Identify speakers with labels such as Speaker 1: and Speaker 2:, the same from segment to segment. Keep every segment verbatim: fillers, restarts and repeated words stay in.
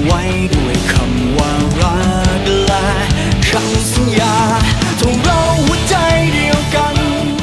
Speaker 1: ไว้ด้วยคำว่ารักและคำสัญญาทงเราหัวใจเดียวกัน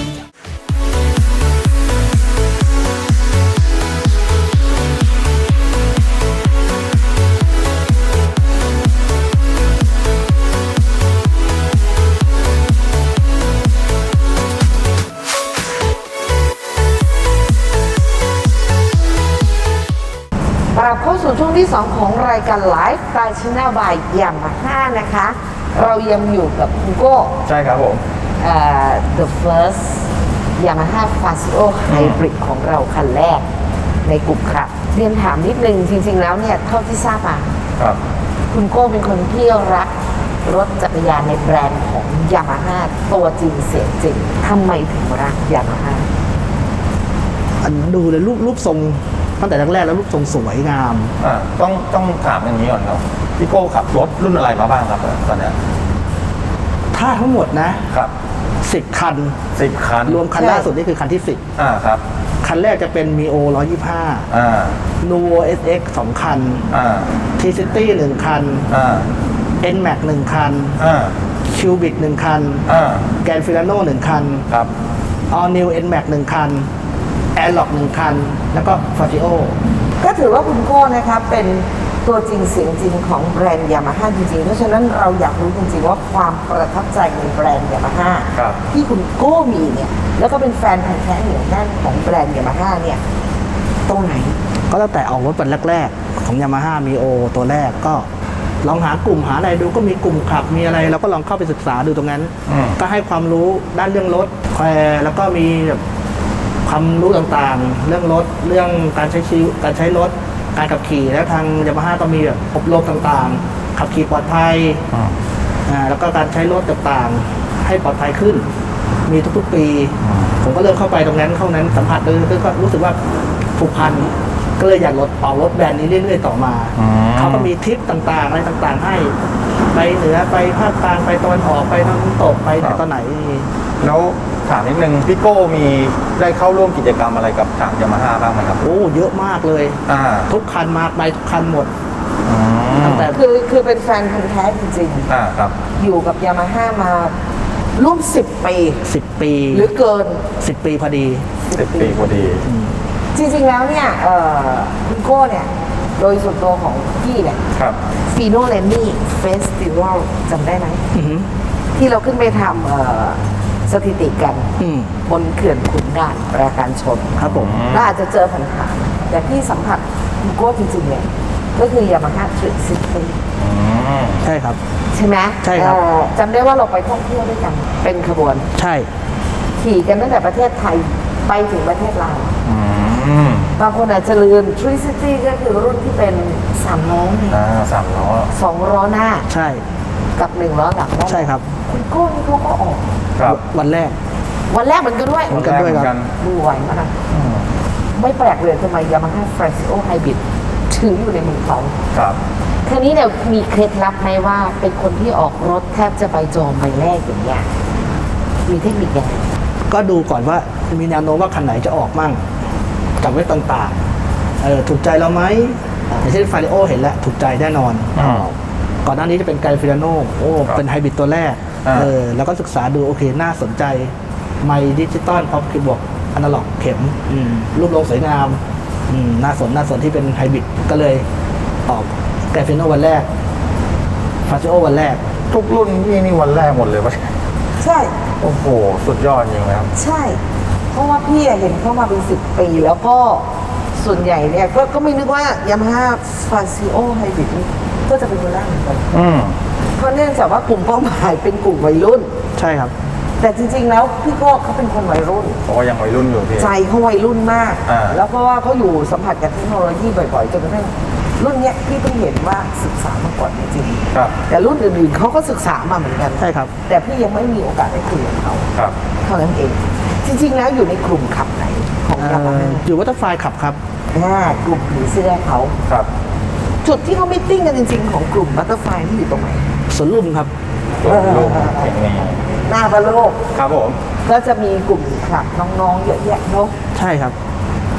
Speaker 2: กลับเข้าสู่ช่วงที่สองของรายการไลฟ์สไตล์ชินาบายยามาฮ่านะคะ เรายังอยู่กับคุณโก้
Speaker 3: ใช่ครับผม
Speaker 2: เอ่อ the first Yamaha Fazio Hybrid ของเราคันแรกในกลุ่มครับเรียนถามนิดนึงจริงๆแล้วเนี่ยเท่าที่ทราบมา
Speaker 3: ครับ
Speaker 2: คุณโก้เป็นคนที่รักรถจักรยานในแบรนด์ของ Yamaha ตัวจริงเสียงจริงทำไมถึงรัก Yamaha
Speaker 4: อันดูเลยรูปรูปทรงตั้งแต่แรกๆแล้วรูปทรงสวยงาม
Speaker 3: อ่าต้องต้องถามอย่างนี้ก่อนครับพี่โก้ขับรถรุ่นอะไรมาบ้างครับตอนนี้
Speaker 4: ถ้าทั้งหมดนะครับสิบคัน
Speaker 3: สิบคัน
Speaker 4: รวมคันล่าสุดนี่คือคันที่สิบ
Speaker 3: อ่าครับ
Speaker 4: คันแรกจะเป็น Mio หนึ่งร้อยยี่สิบห้า
Speaker 3: อ่า
Speaker 4: Nuvo เอส เอ็กซ์ สองคัน
Speaker 3: อ่า
Speaker 4: T-City หนึ่งคัน
Speaker 3: อ่า
Speaker 4: N-Max หนึ่งคัน
Speaker 3: อ่า
Speaker 4: Cubic หนึ่งคัน
Speaker 3: อ่า
Speaker 4: Grand Filano หนึ่งคัน
Speaker 3: ครับ
Speaker 4: All New N-Max หนึ่งคัน Airlock หนึ่งคันแล้วก็ Fazio
Speaker 2: ก็ถือว่าคุณโก้นะครับเป็นตัวจริงเสียงจริงของแบรนด์ยามาฮ่าจริงๆเพราะฉะนั้นเราอยากรู้จริงๆว่าความประทับใจในแบรนด์ยามาฮ่าที่คุณโก้มีเนี่ยแล้วก็เป็นแฟนพันธุ์แท้เหนียวแน่นของแบรนด์ยามาฮ่าเนี่ยตรงไหน
Speaker 4: ก็ตั้งแต่ออกรถวันแรกๆของ Yamaha Mio ตัวแรกก็ลองหากลุ่มหาอะไรดูก็มีกลุ่มขับมีอะไรเราก็ลองเข้าไปศึกษาดูตรงนั้นก็ให้ความรู้ด้านเรื่องรถแล้วก็มีแบบความรู้ต่างๆเรื่องรถเรื่องการใช้ชีวิตการใช้รถการขับขี่แล้วทางยามาฮ่าก็มีแบบอบรมต่างๆขับขี่ปลอดภัยอ่าแล้วก็การใช้รถต่างๆให้ปลอดภัยขึ้นมีทุกๆปีผมก็เริ่มเข้าไปตรงนั้นเข้านั้นสัมผัสเลยก็รู้สึกว่าผูกพันก็เลยอยากรถออกรถแบรนด์นี้เรื่อยๆต่อมาเขาก็มีทริปต่างๆอะไรต่างๆให้ไปเหนือไปภาคกลางไปตะวันออกไปตะวันตกไปไหนตอนไหน
Speaker 3: แล้วถามนิดนึงพี่โก้มีได้เข้าร่วมกิจกรรมอะไรกับทางยามาฮ่าบ้างไหมครับ
Speaker 4: โอ้เยอะมากเลย
Speaker 3: อ่า
Speaker 4: ทุกคันมาไปทุกคันหมด
Speaker 2: ตั้งแต่คือคือเป็นแฟนพันธุ์แท้จริง
Speaker 3: ๆอ่าครับ
Speaker 2: อยู่กับยามาฮ่ามาร่วมสิบปี
Speaker 4: สิบปี
Speaker 2: หรือเกิน
Speaker 4: สิบปีพอดี
Speaker 3: สิบปีพอดี
Speaker 2: จริงๆแล้วเนี่ยคุณโก้เนี่ยโดยส่วนตัวของพี่เนี่ย
Speaker 3: ครับ
Speaker 2: ฟีโนเลนนี่เฟสติวัลจำได้ไหมที่เราขึ้นไปทำสถิติกันบนเขื่อนขุนด่านปราการชน
Speaker 4: ครับผม
Speaker 2: ก็อาจจะเจอผ่านๆแต่พี่สัมผัสคุณโก้จริงๆเนี่ยก็คือยามาฮ่าทริปซิตี้
Speaker 4: ใช่ครับ
Speaker 2: ใช่ไหม
Speaker 4: ใช่ครับ
Speaker 2: จำได้ว่าเราไปท่องเที่ยวด้วยกันเป็นขบวน
Speaker 4: ใช่
Speaker 2: ขี่กันตั้งแต่ประเทศไทยไปถึงประเทศลาวบางคนอาจจะลืม Tri City ก็คือรุ่นที่เป็นสามล้อ
Speaker 3: อ่าสามล้อ
Speaker 2: สองล้อหน้า
Speaker 4: ใช่
Speaker 2: กับหนึ่งล้อหลัง
Speaker 4: ใช่ครับ
Speaker 2: คุณโก้นี่เขาก็ออก
Speaker 3: ครับ
Speaker 4: วันแรก
Speaker 2: วันแรกเหมือนกันด้วย
Speaker 4: เหมือนกันด้วยครับ
Speaker 2: ดูไหวมากไม่แปลกเลยทำไม Yamaha Fazio Hybrid ถึงอยู่ในมือเขา
Speaker 3: ครับ
Speaker 2: ทีนี้เนี่ยมีเคล็ดลับไหมว่าเป็นคนที่ออกรถแทบจะไปจองใบแรกอย่างเงี้ยมีเทคนิคยังไง
Speaker 4: ก็ดูก่อนว่ามีแนวโน้มว่าคันไหนจะออกมั่งกับไว้ต่างๆเออถูกใจเราไหมอย่างเช่นฟาริโอเห็นแล้วถูกใจแน่นอนก่อนหน้านี้จะเป็นไกฟิลาโนโอ้เป็นไฮบริดตัวแรกเออแล้วก็ศึกษาดูโอเคน่าสนใจไมค์ดิจิตอลพร้อมคีย์บอร์ดอนาล็อกเข็มรูปทรงสวยงามน่าสนน่าสนที่เป็นไฮบริดก็เลยออกไกฟิลาโนวันแรกฟาซิโอวันแรก
Speaker 3: ทุกรุ่นนี่นี่วันแรกหมดเลยป่ะ
Speaker 2: ใช่
Speaker 3: โอ้โหสุดยอดจริงครับ
Speaker 2: ใช่เพราะว่าพี่เห็นเข้ามาเป็นสิบปีแล้วก็ส่วนใหญ่เนี่ยก็ก็ไม่นึกว่า Yamaha Fazio Hybrid ก็จะเป็นตัวแรกเหมือนกันเพราะเนื่องจากว่ากลุ่มเป้าหมายเป็นกลุ่มวัยรุ่น
Speaker 4: ใช่ครับ
Speaker 2: แต่จริงๆแล้วพี่โก้เขาเป็นคนวัยรุ่น
Speaker 3: เพราะว่ายังวัยรุ่นอยู่พี่
Speaker 2: ใจเขาวัยรุ่นมากแล้วเพราะว่าเขาอยู่สัมผัสกับเทคโนโลยีบ่อยๆจนกระทั่งรุ่นเนี้ยพี่เพิ่งเห็นว่าศึกษามาก่อนจริงๆแต่รุ่นอื่นๆเขาก็ศึกษามาเหมือนกัน
Speaker 4: ใช่ครับ
Speaker 2: แต่พี่ยังไม่มีโอกาสได้คุยกับเขาเท่านั้นเองจริงๆแล้วอยู่ในกลุ่มขับไหนของยามาฮ่า
Speaker 4: อยู่วัตเตอร์ไฟขับครับ
Speaker 2: กลุ่มผีเสื้อเขา
Speaker 3: ครับ
Speaker 2: จุดที่เขาไม่ติ้งกันจริงๆของกลุ่มบัตเตอร์ไฟนี่อยู่ตรงไหน
Speaker 4: สวนลุมครับ
Speaker 3: สวนลุม
Speaker 2: หน้าบาโลก
Speaker 3: ครับผม
Speaker 2: ก็จะมีกลุ่มขับน้องๆเยอะแยะเนาะ
Speaker 4: ใช่ครับ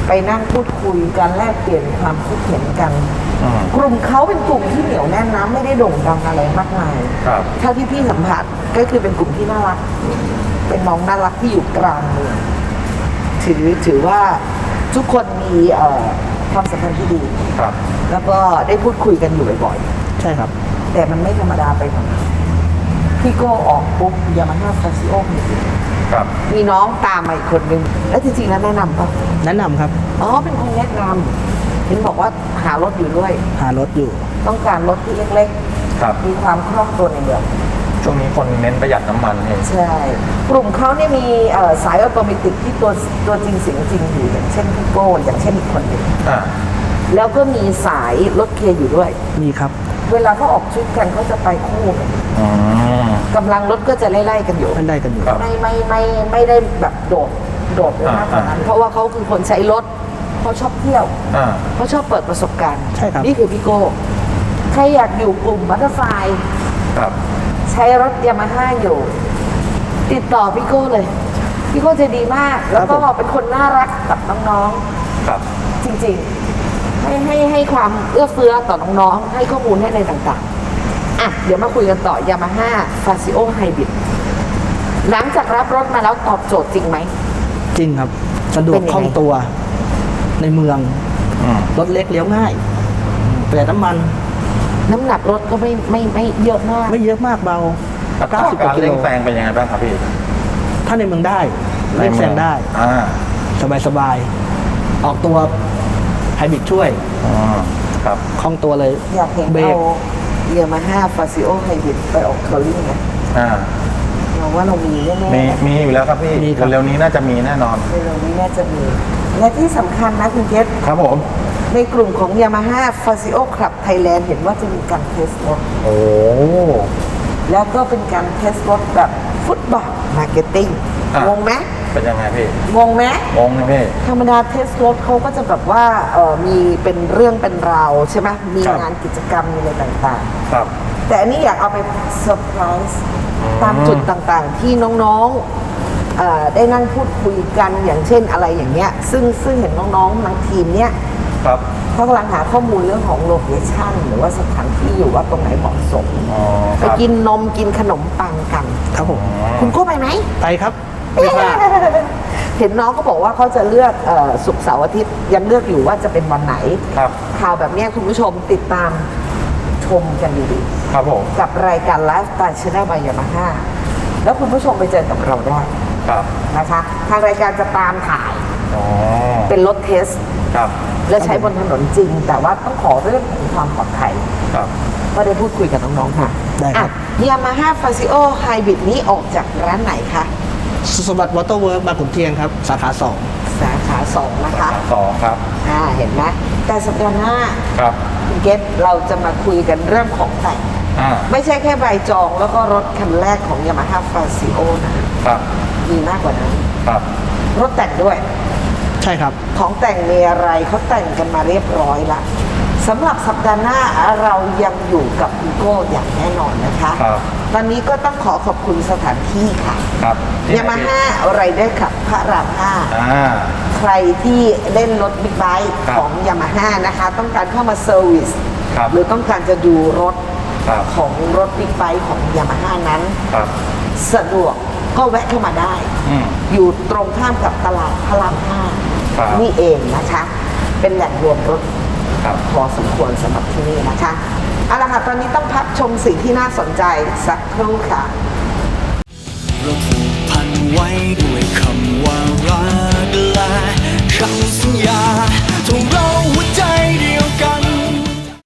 Speaker 2: ไปนั่งพูดคุยกันแลกเปลี่ยนความคิดเห็นกัน
Speaker 3: อืม
Speaker 2: กลุ่มเขาเป็นกลุ่มที่เหนียวแน่นนะไม่ได้โด่งดังอะไรมากมาย
Speaker 3: ครับ
Speaker 2: เท่าที่พี่สัมผัสก็คือเป็นกลุ่มที่น่ารัก เป็นน้องน่ารักที่อยู่กลางเมืองถือถือว่าทุกคนมีเอ่อความสัมพันธ์ที่ดี
Speaker 3: ครับ
Speaker 2: แล้วก็ได้พูดคุยกันอยู่บ่อย
Speaker 4: ใช่ครับ
Speaker 2: ๆ แต่มันไม่ธรรมดาไปหน่อยพี่โก้ออกปุ๊บยามาฮ่าฟาซิโอมี
Speaker 3: ครับ
Speaker 2: มีน้องตามมาอีกคนนึง แล้วจริงๆแล้วแนะนำป่ะ
Speaker 4: แนะนำครับ
Speaker 2: อ๋อ เป็นคนแนะนำเห็นบอกว่าหารถอยู่ด้วย
Speaker 4: หารถอยู่
Speaker 2: ต้องการรถที่เล็ก
Speaker 3: ครับ
Speaker 2: ๆ มีความคล่องตัวในเมือง
Speaker 3: ช่วงนี้คนเน้นประหยัดน้ำมันเอง
Speaker 2: ใช่ กลุ่มเขาเนี่ยมีเอ่อสายออโตเมติกที่ตัวตัวจริงเสียงจริงอยู่อย่างเช่นพี่โก้อย่างเช่นอีกคนหนึ่ง
Speaker 3: อ่า
Speaker 2: แล้วก็มีสายรถเกียร์อยู่ด้วย
Speaker 4: มีครับ
Speaker 2: เวลาเขาออกทริปกันเขาจะไปคู่กัน
Speaker 3: อืม
Speaker 2: กำลังรถก็จะไล่ๆกันอยู่
Speaker 4: ไม่ได้กันอยู่
Speaker 3: ครับ
Speaker 2: ไม่ไม่ไม่ไม่ได้แบบโดดโดดเลยมากกว่านั้น
Speaker 3: อ่า
Speaker 2: เพราะว่าเขาคือคนใช้รถเขาชอบเที่ยว
Speaker 3: อ่า
Speaker 2: เขาชอบเปิดประสบการณ์
Speaker 4: ใช่ครับ
Speaker 2: นี่คือพี่โก้ใครอยากอยู่กลุ่มมัตเตอร์ไฟ
Speaker 3: ครับ
Speaker 2: ใช้รถยามาฮ่าอยู่ ติดต่อพี่โก้เลย พี่โก้ใจะดีมาก แล้วก็เป็นคนน่ารักกับน้อง
Speaker 3: ครับ
Speaker 2: ๆ จริงๆ ให้ให้ให้ความเอื้อเฟื้อต่อน้องๆ ให้ข้อมูลให้อะไรต่างๆ อ่ะ เดี๋ยวมาคุยกันต่อยามาฮ่าฟาซิโอไฮบริดหลังจากรับรถมาแล้วตอบโจทย์จริงไหม
Speaker 4: จริงครับ สะดว
Speaker 2: เป็
Speaker 4: ก
Speaker 2: นยังไง
Speaker 4: คล่องตัว ในเมือง
Speaker 3: อืม
Speaker 4: รถเล็กเลี้ยวง่ายประหยัดน้ำมัน
Speaker 2: น้ำหนักรถก็ไม่ไม่ไม่เยอะมาก
Speaker 4: ไม่เยอะมากเบา
Speaker 3: อัตรา
Speaker 4: เก้าสิบก
Speaker 3: การ
Speaker 4: ว่ากิโล
Speaker 3: เร่งแซงเป็นยังไงบ้างครับพี่
Speaker 4: ถ้าในเมืองได้เร่งแซงได้
Speaker 3: อ่า
Speaker 4: สบายสบายๆออกตัวไฮบริดช่วย
Speaker 3: อ๋อครับ
Speaker 4: คล่องตัวเลย
Speaker 2: อยากเห็น
Speaker 4: เบร
Speaker 2: เอา
Speaker 4: ก
Speaker 2: ยามาฮ่าฟาซิโอไฮบริดไปออกเคอร์รี่ไง
Speaker 3: อ่า
Speaker 2: เราว่าเรามีแน่ๆ
Speaker 3: มี
Speaker 2: นะ
Speaker 3: มีอยู่แล้วครับพี่
Speaker 4: มีครับ
Speaker 3: เร็วๆนี้น่าจะมีแน่นอน
Speaker 2: เร็วๆนี้น่าจะมี และที่สำคัญนะคุณเกศ
Speaker 3: ครับผม
Speaker 2: ในกลุ่มของ Yamaha Fazio Club Thailand เห็นว่าจะมีการเทสรถ
Speaker 3: โอ้
Speaker 2: แล้วก็เป็นการเทสรถแบบฟุตบอลมาร์เก็ตติ้ง
Speaker 3: ะ
Speaker 2: งงไหม
Speaker 3: เป็นยังไงพี่
Speaker 2: งงไหม
Speaker 3: งงนะพี่
Speaker 2: ธรรมดาเทสรถเขาก็จะแบบว่าเออมีเป็นเรื่องเป็นราวใช่ไหมมี
Speaker 3: ครับ
Speaker 2: งานกิจกรรมมีอะไรต่าง
Speaker 3: ครับ
Speaker 2: ๆ แต่อันนี้อยากเอาไปเซอร์ไพรส์ตามจุดต่างๆ ที่น้องๆเอ่อได้นั่งพูดคุยกันอย่างเช่นอะไรอย่างเงี้ยซึ่งซึ่งเห็นน้องๆทั้งทีมเนี้ย
Speaker 3: ครับ
Speaker 2: เขากำลังหาข้อมูลเรื่องของโลเคชั่นหรือว่าสถานที่อยู่ว่าตรงไหนเหมาะสม
Speaker 3: อ๋อ
Speaker 2: ไป
Speaker 3: ครับ
Speaker 2: กินนมกินขนมปังกัน
Speaker 4: ครับผม
Speaker 2: คุณโก้ไปไหม
Speaker 4: ไปครับไม่พลาด
Speaker 2: เห็นน้องก็บอกว่าเขาจะเลือกเอ่อศุกร์เสาร์อาทิตย์ยังเลือกอยู่ว่าจะเป็นวันไหน
Speaker 3: ครับ
Speaker 2: ข่าวแบบเนี้ยคุณผู้ชมติดตามชมกันดี
Speaker 3: ครับผม
Speaker 2: ๆกับรายการไลฟ์สไตล์ชาแนลบายยามาฮ่าแล้วคุณผู้ชมไปเจอกับเราได้
Speaker 3: ครับ
Speaker 2: นะคะ ทางรายการจะตามถ่าย
Speaker 3: อ๋อ
Speaker 2: เป็นรถเทส
Speaker 3: ครับ
Speaker 2: และใช้บนถนนจริง แต่ว่าต้องขอเรื่องของความปลอดภัย
Speaker 3: ครับ
Speaker 2: ก็ได้พูดคุยกับน้องๆ ค่ะ
Speaker 4: ได้ครับ
Speaker 2: ยามาฮ่าฟาซิโอไฮบริดนี้ออกจากร้านไหนคะ
Speaker 4: สุสมบัติวอเตอร์เวิร์กบางขุนเทียนครับ สาขาสอง
Speaker 2: สาขาสองนะคะ
Speaker 3: สองครับ
Speaker 2: อ่า เห็นไหมแต่สัปดาห์หน้า
Speaker 3: ครับ
Speaker 2: คุณเกตเราจะมาคุยกันเรื่องของแต่ง
Speaker 3: อ่า
Speaker 2: ไม่ใช่แค่ใบจองแล้วก็รถคันแรกของยามาฮ่าฟาซิโอนะครับ มีมากกว่านั้น
Speaker 3: ครับ
Speaker 2: รถแต่งด้วย
Speaker 4: ใช่ครับ
Speaker 2: ของแต่งมีอะไรเขาแต่งกันมาเรียบร้อยละสำหรับสัปดาห์หน้าเรายังอยู่กับคุณโก้อย่างแน่นอนนะคะ
Speaker 3: ครับ
Speaker 2: ตอนนี้ก็ต้องขอขอบคุณสถานที่ค่ะ
Speaker 3: ครับ
Speaker 2: ยามาฮ่าไรเดอร์ขับพระรามห้า
Speaker 3: อ่า
Speaker 2: ใครที่เล่นรถบิ๊กไบค์
Speaker 3: ครับ
Speaker 2: ของยามาฮ่านะคะ ต้องการเข้ามาเซอร์วิส
Speaker 3: ครับ
Speaker 2: หรือต้องการจะดูรถ
Speaker 3: ครับ
Speaker 2: ของรถบิ๊กไบค์ของยามาฮ่านั้น
Speaker 3: ครับ
Speaker 2: สะดวกก็แวะเข้ามาได้
Speaker 3: อืม
Speaker 2: อยู่ตรงข้ามกับตลาดพระรามห้า
Speaker 3: ครับ
Speaker 2: นี่เองนะคะ เป็นแหล่งรวมรถ
Speaker 3: ครับ
Speaker 2: พอสมควรสำหรับที่นี่นะคะเอาละค่ะตอนนี้ต้องพักชมสิ่งที่น่าสนใจสักครู่ค่ะ
Speaker 1: เราผูกพันไว้ด้วยคำว่ารักและคำสัญญาทงเรา